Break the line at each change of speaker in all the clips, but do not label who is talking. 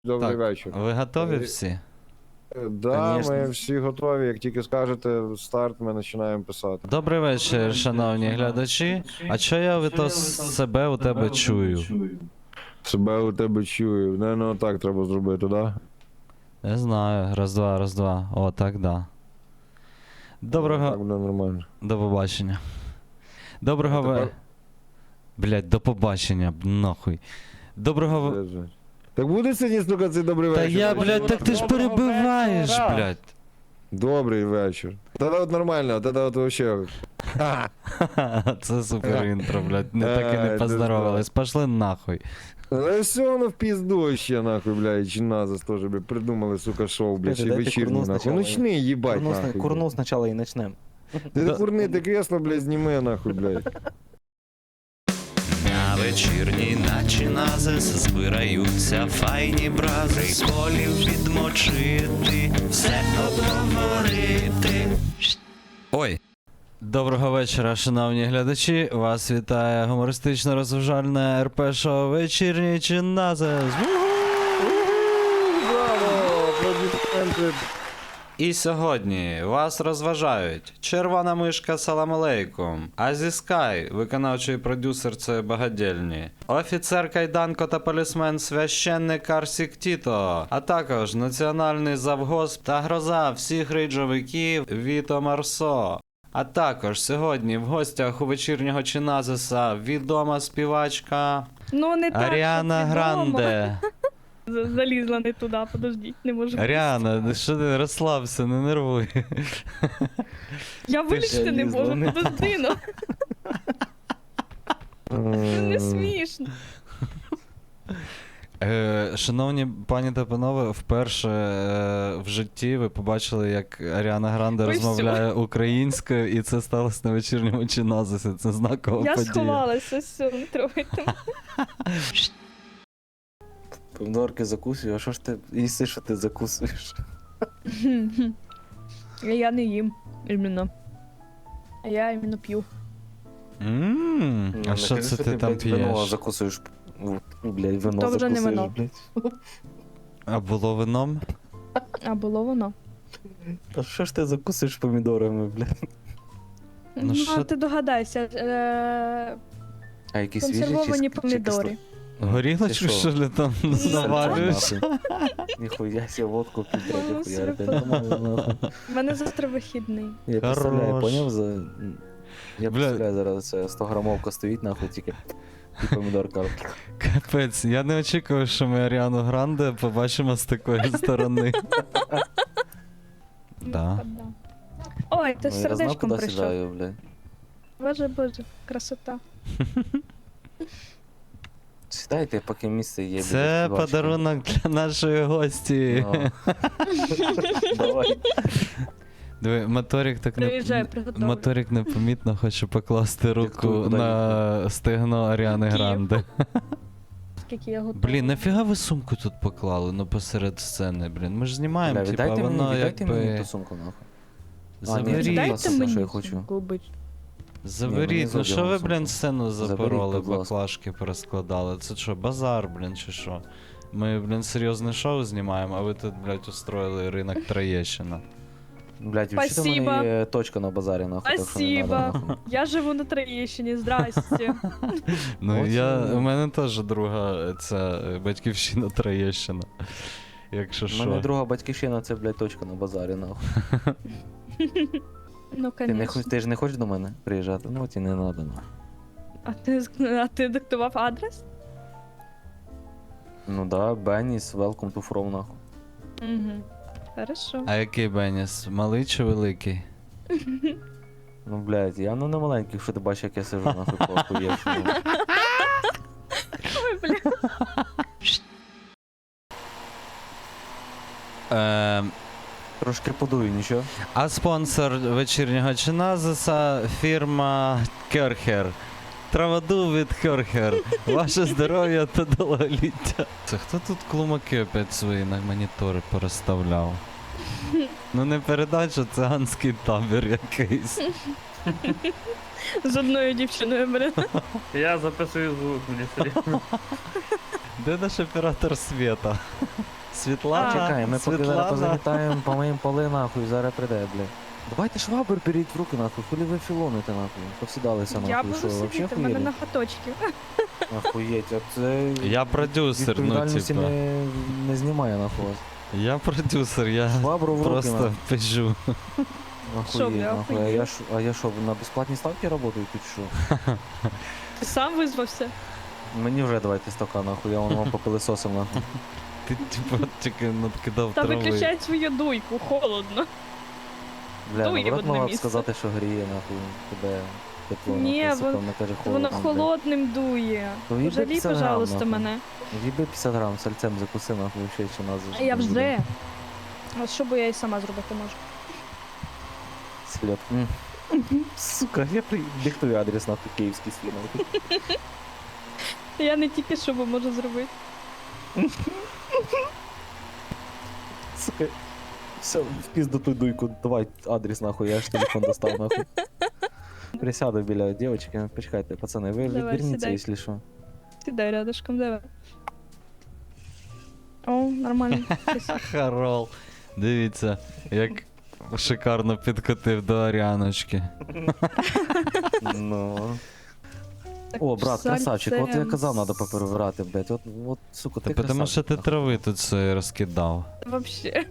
Добрий
Так,
вечір.
ви готові всі?
Да,
Конечно.
ми всі готові. Як тільки скажете старт, ми починаємо писати.
Добрий вечір, шановні глядачі. А що я від себе у тебе чую?
Себе у тебе чую. Ну так треба зробити, да?
Не знаю. Раз, два. О, так, да.
Так
Доброго.
буде нормально.
До побачення. Доброго
А тепер-
Блять, до побачення, нахуй. Доброго
Так буде сьогодні, сука, цей добрий
Та
вечір?
я, блядь, так ти ж перебиваєш, блядь.
Добрий вечір. Тоді от нормально, тоді от вообще.
Це супер інтро, блядь. Не так і не
Ай,
поздоровались. Пошли нахуй.
Ну все воно в пізду ще, нахуй, блядь, чи назас теж, блядь, придумали, сука, шоу, блядь, ще
Дайте
вечірній,
курну
нахуй.
спочатку.
Ночний, їбать, нахуй.
Курну спочатку і начнем.
Ти курни, ти кресло, блядь, зніми, нахуй, блядь.
На вечірній наче назис збираються файні брази, приколів відмочити, все обговорити. Ой.
Доброго вечора, шановні глядачі. Вас вітає гумористично-розважальне РП-шоу «Вечірній Чиназис».
Браво! Аплодисменти.
І сьогодні вас розважають Червона мишка Салам алейкум, Азі Скай, виконавчий продюсер цієї багадільні, офіцер Кайданко та полісмен священник Арсік Тіто, а також національний завгосп та гроза всіх рейджовиків Віто Марсо. А також сьогодні в гостях у вечірнього Чиназиса відома співачка
Ну, не так,
Аріана
щоб відомо.
Гранде.
Залізла не туди, подождіть, не можу.
Аріана, ну що ти розслабся, не нервуй.
Я вилізти не
залізла,
можу,
не
подожди, ну. Це не смішно.
Шановні пані та панове, вперше в житті ви побачили, як Аріана Гранде
Ой,
розмовляє українською, і це сталося на вечірньому Чиназисі. Це знакова
Я
подія.
сховалася, все, не трогайте.
Помідорки закусую, а що ж ти їси, що ти закусуєш?
Я не їм, іменно. Я іменно п'ю.
А що це ти там
блядь, Вино
п'єш?
закусуєш. Блядь, вино
То вже не
закусуєш,
вино.
блядь.
А було вином?
А було воно.
А що ж ти закусуєш помідорами, блядь?
Ну,
що-
ти догадайся,
А які свіжі
консервовані
чи
помідори.
Горілочку,
Ти що?
що ли там навалюєш?
Ніхуя себе водку підтримати,
Ну,
ніхуя,
все.
блядь, нормально, нахуй.
У мене завтра вихідний.
Я представляю,
Хорош.
поняв? Я
Бля.
представляю, зараз це 100-грамовка стоїть, нахуй, тільки і помідорка.
Капець, я не очікував, що ми Аріану Гранде побачимо з такої сторони. Да.
Ой, ти з
Ну, я знав,
сердечком
куди
прийшов.
сідаю, блядь.
Боже, красота.
Сідайте, поки місце є.
Це
біля співачки.
подарунок для нашої гості.
Ну. Давай.
Диви, моторик так
Приїжджай, приготовлю.
Моторик непомітно хоче покласти руку
куди
на стегно Аріани
Київ.
Гранде.
Скільки я готова.
Блін, нафіга ви сумку тут поклали, ну посеред сцени, блін. Ми ж знімаємо,
Бля,
типа,
віддайте
воно
віддайте мені
якби...
ту сумку, нахуй. ні,
Заберіть,
це
Дайте
класно,
мені
що я хочу.
губи.
заберіть.
мені
Ну що ви,
задягнув
блін,
сумку.
сцену
Заберіть,
запороли,
будь ласка.
баклажки порозкладали? Це що, базар, блін, чи що? Ми, блін, серйозне шоу знімаємо, а ви тут, блядь, устроїли ринок Троєщина.
Блядь, взагалі в
Спасибо.
мене є точка на базарі, нахуй, так що не надо,
Спасибо.
нахуй.
Я живу на Троєщині, здрасте.
Ну,
От
у мене теж друга ця батьківщина Троєщина. Якщо
У мене
що.
друга батьківщина, це, блядь, точка на базарі, нахуй.
Ну, конечно.
Ти ж не хочеш до мене приїжджати? Ну, от і не надо, нахуй.
А ти диктував адрес?
Ну да, Бенніс, welcome to from, нахуй.
Угу. Хорошо.
А який Беніс? Малий чи великий?
Ну, блядь, я ну не маленький, якщо ти бачиш, як я сижу, нахуй, по охуєвшому.
Ой, бля.
Трошки подую, нічого.
А спонсор вечірнього Чиназиса фірма Керхер. Траваду від Керхер. Ваше здоров'я та довголіття. Це хто тут клумаки опять свої на монітори порозставляв? Ну не передача, циганський табір якийсь.
З одною дівчиною, блін.
Я записую звук, мені серйозно.
Де наш оператор світа? Світлана?
Чекай, ми поки зараз
Світлана?
позамітаємо, помиємо поли нахуй, зараз прийде, блядь. Давайте швабр беріть в руки нахуй, хулі ви філоните нахуй. Повсідалися нахуй,
Я буду
що вообще
сидіти, в мене
хуєлі?
на хаточки.
Охуєть, а це...
Я продюсер, ну
відповідальності
типа.
не знімає нахуй вас.
Я продюсер, я
Швабру в руки
просто
нахуй.
пижу.
Що,
Охуєть,
бля,
нахуй.
охуєть?
А я що, на безплатній ставці працюю тут що?
Ти сам визвався?
Мені вже давайте стака нахуй, я вам попилисосив нахуй.
Ти типа тільки надкидав
Та
трави.
виключай свою дуйку, холодно.
Бля,
Дує в
наоборот
одне
могла б
місце.
сказати, що гріє нахуй тебе тепло.
Ні,
нахуй, сука,
вон-
вона каже
Воно
холодно. блядь.
холодним дує.
То їби
Пожалій,
50 грам,
пожалуйста,
нахуй.
мене.
Їби 50 грам сальцем закуси нахуй, ще чи нас
А я вже. А що би я і сама зробити можу?
Сльот. Сука, я диктую адрес нахуй київський свій нахуй.
Я не тільки що би можу зробити.
Сука. Все, в пізду ту дуйку, давай адрес нахуй, я ж телефон достав нахуй. Присяду біля дівчинки, почекайте, пацани, ви
Давай,
відверніться,
сідай.
якщо що.
Сідай рядышком, давай. О, нормально.
Харол. Дивіться, як шикарно підкотив до Аріаночки.
Ну. О, брат, красавчик, от я казав, треба поперебирати, блядь. От, сука,
Та
ти
тому що
красавчик,
ти
нахуй.
трави тут все розкидав.
Вообще.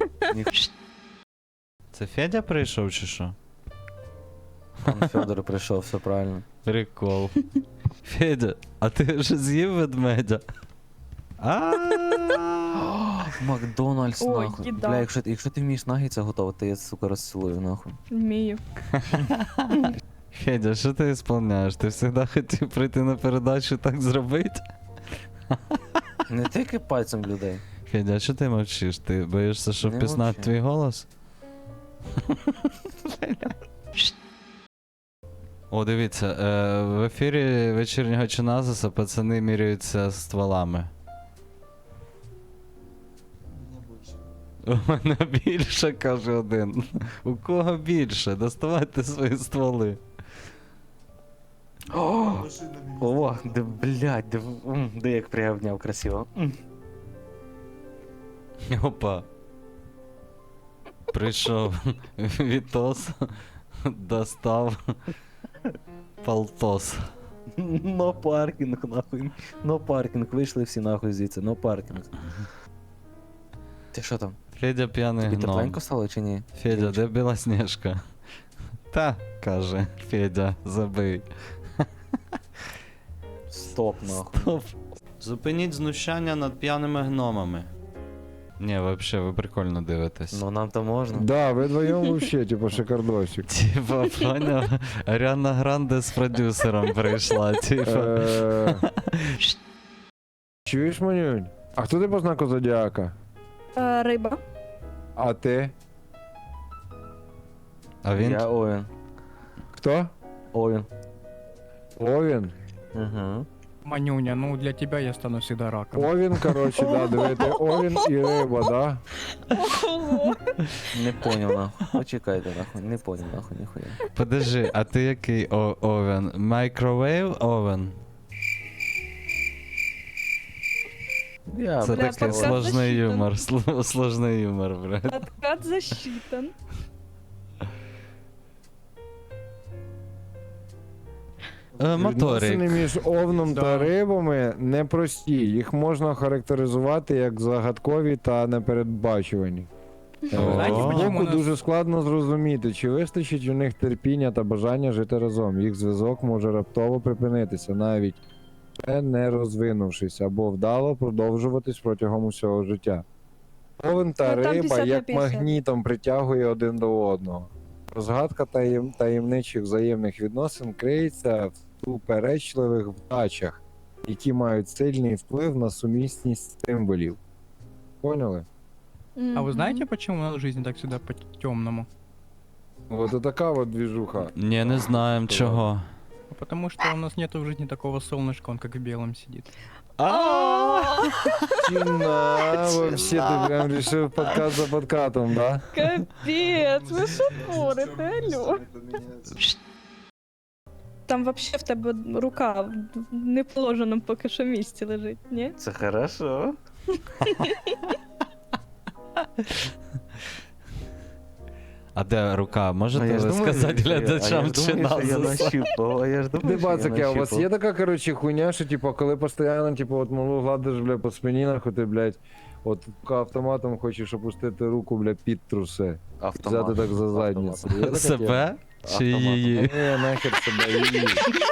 Це Федя прийшов чи що?
Пан Федор прийшов, все правильно.
Прикол. Федя, а ти вже з'їв ведмедя? А
Макдональдс,
Ой,
нахуй.
їда.
Бля, якщо ти вмієш наггетса готувати, я, сука, розцілую, нахуй.
Вмію.
Федя, що ти ісполняєш? Ти завжди хотів прийти на передачу і так зробити?
Не тільки пальцем людей.
Федя, а що ти мовчиш? Ти боїшся, що
Не
впізнати
мовчу.
твій голос? О, дивіться, в ефірі вечірнього Чиназиса пацани міряються стволами. У мене більше, каже один. У кого більше? Доставайте свої стволи.
О, де, блядь, де як приобняв красиво.
Опа. Прийшов Вітос, достав полтос.
Но паркінг, нахуй. Но паркінг, вийшли всі нахуй звідси, но паркінг. Ти що там?
Федя п'яний
Тобі
гном.
тепленько стало чи ні?
Федя, де Білосніжка? Та, каже, Федя, забий.
Стоп, нахуй.
Стоп. Зупиніть знущання над п'яними гномами. Ні, вообще, ви прикольно дивитесь.
Ну нам то можна.
Да, ви вдвоєм вообще, типу, шикардосик.
Типа, поняв? Аріана Гранде з продюсером прийшла, типа.
Чуєш, Манюнь? А хто ти по знаку зодіака?
Риба.
А ти?
А він
Я Овен.
Хто?
Овен.
Овін?
Угу.
Манюня, ну для тебя я стану всегда раком.
Овін, коротше, да, дивити. Овін і риба, да?
Ого.
Не поняв, нахуй. Почекайте, нахуй. Не поняв, нахуй, ніхуя.
Подожди, а ти який овен? Microwave овен?
Я,
Це
Бля,
такий
подкаст
сложний
засчитан.
юмор, сложний юмор, блядь.
Откат засчитан.
Відносини
Моторик.
між овном та
Да.
рибами непрості. Їх можна характеризувати як загадкові та непередбачувані.
Знаете,
О.
почему
Збоку
нас...
дуже складно зрозуміти, чи вистачить у них терпіння та бажання жити разом. Їх зв'язок може раптово припинитися, навіть ще не розвинувшись, або вдало продовжуватись протягом усього життя. Овен та
Ну, там
риба
50 на
як
50.
магнітом притягує один до одного. Розгадка таємничих взаємних відносин криється в суперечливих вдачах, які мають сильний вплив на сумісність символів. Поняли?
А вы знаете, почему у нас жизнь так всегда по-темному?
Вот и така вот движуха.
Ні, не знаємо чого.
Потому что у нас нету в жизни такого солнышка, он как в белом сидит.
Чина, вообще ты прям решил подкат за подкатом, да?
Капець, ви що творите, алло? там вообще в тебе рука в неположеному поки що місці лежить, ні?
Це хорошо.
А де рука?
А
Можете
я ж
ви
думаю,
сказати
що я-
глядачам
а
чи
я ж думаю, що я
нас?
нащупав, а я ж думаю, що я
Дебацики, а у вас
нащупав.
є така, коротше, хуйня, що, типу, коли постійно, типу, от малу гладиш, бля, по спині, нахуй ти, блядь, от автоматом хочеш опустити руку, бля, під труси.
Автомат.
Взяти так за задницю. Є така тема?
Себе? Чи
Автоматом.
її?
Ні, нахер себе її.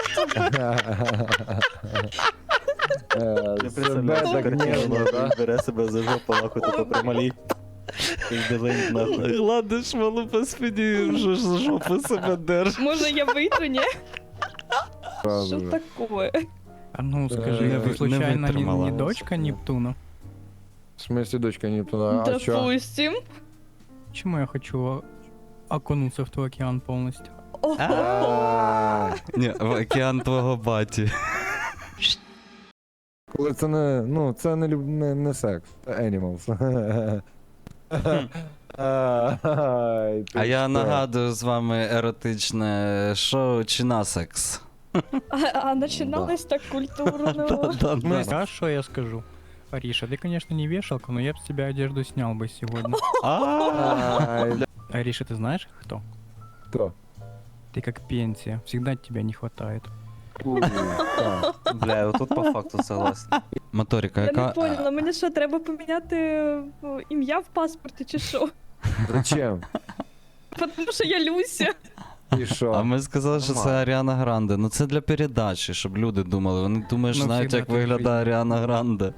Я
Себе
представляю,
так
картину,
нежно,
нахуй,
да?
бере себе за жопу, нахуй, тако прималі. Дизайн, нахуй.
Гладиш малу по спині, вже ж за жопу себе держиш.
Може я вийду, ні?
Сразу
Що
же.
таке?
А ну скажи,
Не
ты случайно не
вытримала.
дочка Нептуна?
В смысле, дочка Нептуна? А чё?
Допустим.
Почему я хочу окунуться в твой океан полностью?
А,
Ні, в океан твого баті.
Коли це не, ну, це не, не секс, це animals. Ай, ти
А я
що?
нагадую з вами еротичне шоу чи на секс.
А починалось так культурно.
Да-да-да.
А что я скажу? Ариша, ты, конечно, не вешалка, но я бы с тебя одежду снял бы сегодня.
Ай,
Ариша, ты знаешь кто?
хто?
Ты как пенсия, всегда тебя не хватает.
Уй, так.
Бля, отут по факту согласен.
Моторика,
Я не
яка.
поняла, мені що, треба поміняти ім'я в паспорті чи що?
Зачем?
Тому що я Люся.
І що?
А ми сказали, що це
Нормально.
Аріана Гранде. Ну це для передачі, щоб люди думали. Вони думають, що
Ну,
знають,
всегда
як
так
виглядає
жить.
Аріана Гранде.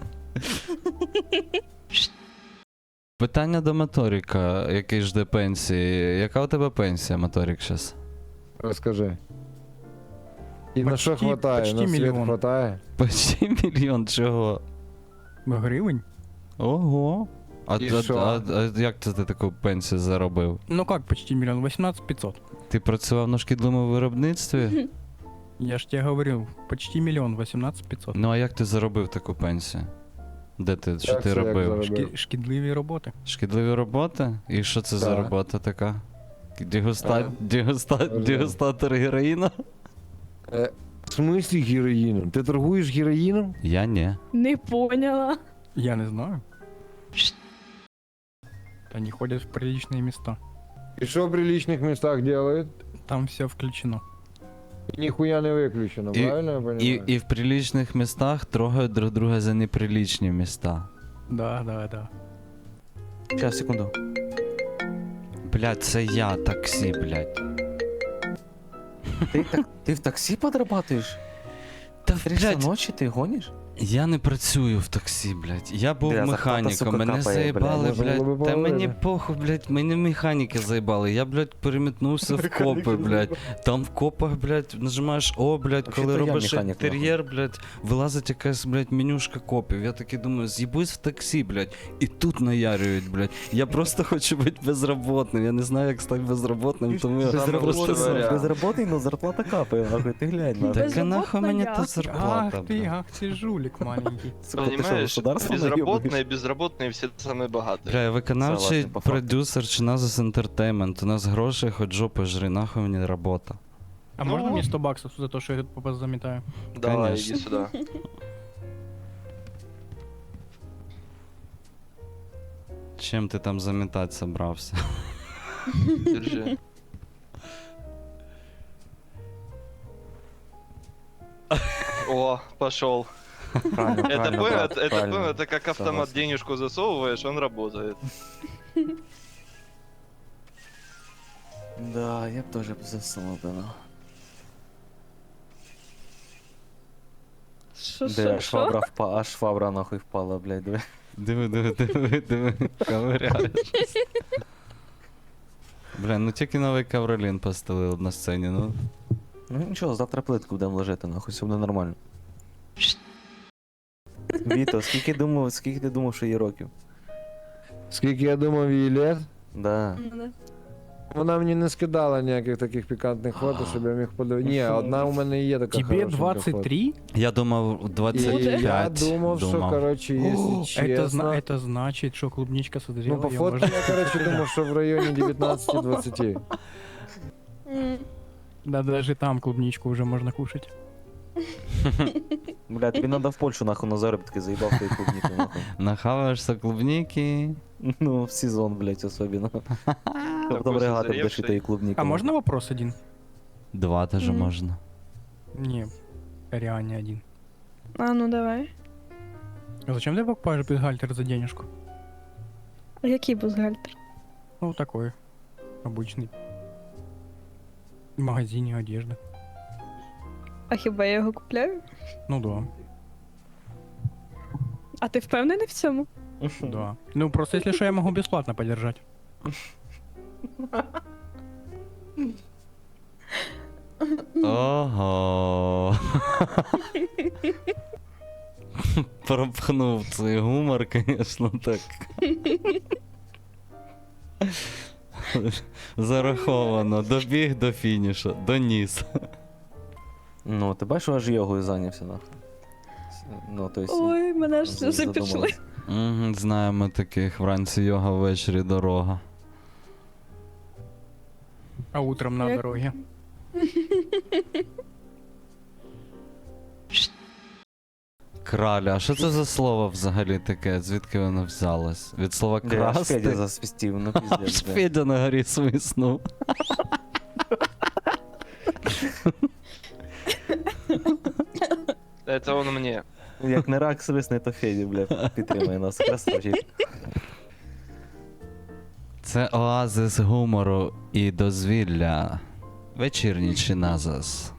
Питання до Моторика, який жде пенсії. Яка у тебе пенсія, Моторик, зараз?
Розкажи. І на що
Почти-
хватає?
почти
На світ
мільйон.
хватає?
Почти мільйон чого?
Гривень?
Ого. А,
І
а,
що?
а як це ти таку пенсію заробив?
Ну как почти миллион? 18 500.
Ти працював на шкідливому виробництві?
Я ж тебе говорил, почти миллион, 18 500.
Ну а як ти заробив таку пенсію? Де ти, що
Як
ти
це, як
робив?
заробив?
Шкідливі роботи.
Шкідливі роботи? І що це за
Так.
робота така?
Ага.
Дегустатор героїна?
В смислі героїном? Ти торгуєш героїном?
Я ні.
Не поняла.
Я не знаю. Они ходят в приличные места.
І що в приличних містах делають?
Там все включено.
Ніхуя не виключено,
І-
правильно я понимаю?
І в приличних містах трогають друг друга за неприличні міста.
Да, да, да.
Сейчас, секунду.
Блядь, це я, таксі, блядь.
Ты в такси подрабатываешь?
Та,
3 часа
блядь,
ночи ты гонишь?
я не працюю в таксі, блядь. Я був
Бля, зарплата,
механіком,
сука,
мене
капає,
заїбали,
блядь. Можна було
блядь.
би
Та мені
поговорити.
похуй, блядь, мене механіки заїбали. Я, блядь, перемітнувся в копи, блядь. Там в копах, блядь, нажимаєш О, блядь, коли
Вообще-то я
робиш
механік,
інтер'єр, блядь, вилазить якась, блядь, менюшка копів. Я такий думаю, з'їбусь в таксі, блядь, і тут наярюють, блядь. Я просто хочу бути безработним. Я не знаю, як стати безработним, тому я просто...
Безработный, но зарплата капает, нахуй, ты глянь, нахуй.
Так а нахуй мені
Безработна
та
я.
зарплата, блядь.
Ах ты жулик маленький.
Сука, ты что,
Понимаешь,
государство
безработные, безработные все самые богатые.
Бля, я виконавчий
Согласен, по факту.
продюсер чи Назас Entertainment. У нас грошей хоч жопи жри, нахуй мені робота.
А
Ну
можно мне
вот.
100 баксов за то, что я тут попас заметаю?
Давай,
Конечно.
иди сюда.
Чим ти там замітати собрався?
Держи. О, пошел.
Правильно,
Это
правильно,
понял,
брат,
это
правильно.
понял, это как автомат
Согласен.
денежку засовываешь, он работает.
Да, я б тоже засунул, да. ну.
Що,
Бля,
що, що?
швабра впала, аж швабра нахуй впала, блядь, диви.
Диви, ковиряєш. Бля, ну тільки новий ковролін постелив на сцені, ну.
Ну нічого, завтра плитку будемо ложити, нахуй, все буде нормально. Віто, скільки ти думав, що є років?
Скільки я думав її лет,
Да.
вона мені не скидала ніяких таких пікантних фото, щоб я міг подивитися. Ні, одна у мене є така
Тебе
хорошенька фото.
23?
Я думав,
І
25.
я думав, що, коротше, якщо
Это,
чесно...
это значит, что клубничка созрела.
Ну, по
её
фото
можно-
я, коротше, думав, що в районі 19-20.
М.
Да даже там клубничку уже можно кушать.
Бля, тобі надо в Польщу нахуй на заробітки заїбав твої клубніки нахуй.
Нахаваєшся клубніки.
Ну, в сезон, блядь, особенно. Потом
Такой
регати будеш і
созревший.
тої клубніки.
А можно вопрос один?
2 теж
Мгм.
можна.
Не, реально один.
А ну давай.
А зачем ты покупаешь бюстгальтер за денежку?
А який бюстгальтер?
Ну, такой. Обычный. В магазине одежды.
А хіба я його купляю?
Ну да,
А ти впевнений в цьому?
да. Ну, просто если что, я могу бесплатно подержать.
Ого. Пропхнув цей гумор, звісно, так. Зараховано. Добіг до фінішу, доніс.
Ну, ти бачиш, аж йогою зайнявся нахуй. Ну, то есть...
Ой, мене ж сльози пішли.
задумалась.
Угу, знаємо таких. Вранці йога, ввечері дорога.
А утром на
Як-
дороге.
Краля, а що це за слово взагалі таке? Звідки воно взялось? Від слова
Бля, аж
красти?
Федя засвістів, ну
Аж
піздець, бля.
Федя на горі свиснув.
Это он мне.
Як не рак свисне, то Федя, бля, підтримає нас. Красавчик.
Це оазис гумору і дозвілля. Вечірній чиназис.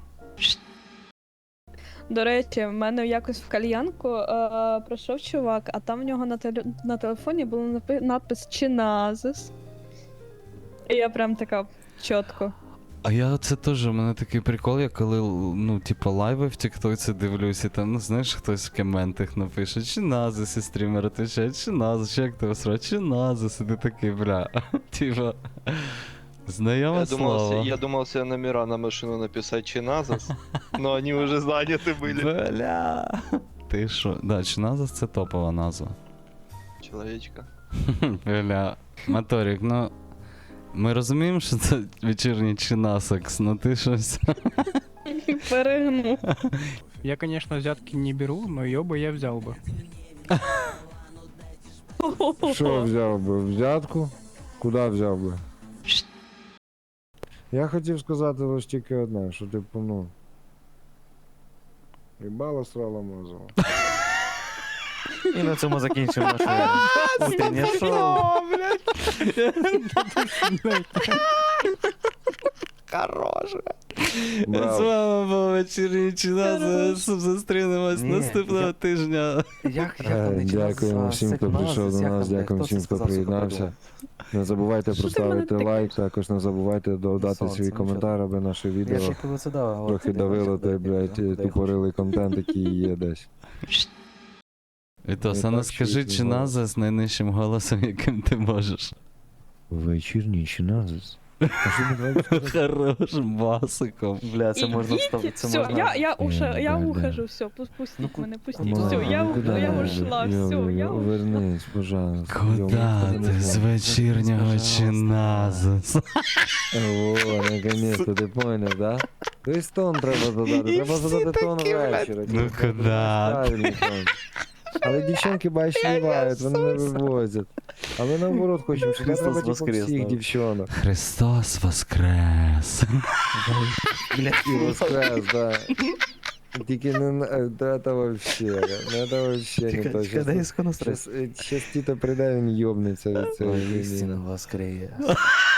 До речі, в мене якось в кальянку прийшов чувак, а там в нього на телефоні було надпис Чиназис. І я прям така чітко.
А я це теж, у мене такий прикол, я коли, ну, типу, лайви в Тіктоці дивлюсь, і там, ну, знаєш, хтось в коментах напише, чи назис, і стрімер отвечає, чи назис, чи як тебе сра, чи назис, і ти такий, бля, типа, знайоме слово.
Я думал себе номера на машину написать Чиназас, но они уже заняты были.
Бля. Ти що? Да, чиназис це топова назва.
Человечка.
Бля, Моторик, ну, ми розуміємо, що це вечірній чинасекс, ну ти щось.
Перегнув.
Я, конечно, взятки не беру, но ее бы я взял бы.
Що взяв би? Взятку? Куди взяв би? Я хотів сказати лише тільки одне, що типу, ну. Їбало срало мозово.
І на цьому закінчимо наше утреннє шоу.
З
Браво.
вами був вечірній чиназис, зустрінемось
Ні,
наступного
я-
тижня.
Як там не
Дякуємо всім, хто прийшов до нас, дякуємо всім, хто приєднався. Не забувайте
Що ти в мене
поставити
таке?
лайк, також не забувайте додати
Сонце,
свій
нічого.
коментар, аби наше
Я
відео
ще коли це дав.
трохи давило той, блядь, тупорилий контент, який є десь.
Вітос,
Не
а ну
так, що
скажи
їх
чиназис з найнижчим голосом, яким ти можеш.
Вечірній чиназис. А що ми давай сказати?
Хорошим басиком.
Бля, це можна вставити. Це
Все,
можна...
я
Да.
ухожу, все, пустіть мене, пустіть,
Мама,
все, я
ну куди?
ушла, все, я ушла.
Вернись, пожалуйста.
Куда ти з вечірнього
Пожалуйста.
чиназис?
О, наконец-то, ти поняв, да? Тобто тон треба задати, треба задати тон вечора.
Ну
типу,
куда?
правильний тон. Але дівчонки, бачиш, співають, вони не вивозять. А ми наоборот хочемо, щоб
Христос
треба типу
воскрес,
всіх
да.
дівчонок.
Христос воскрес.
І воскрес, да. Тільки не це вообще, не це вообще не то.
Чекай, дай іско настрой.
Щас Тіто прийде, він йобнеться від цієї
Ой,
війни.
істина воскрес.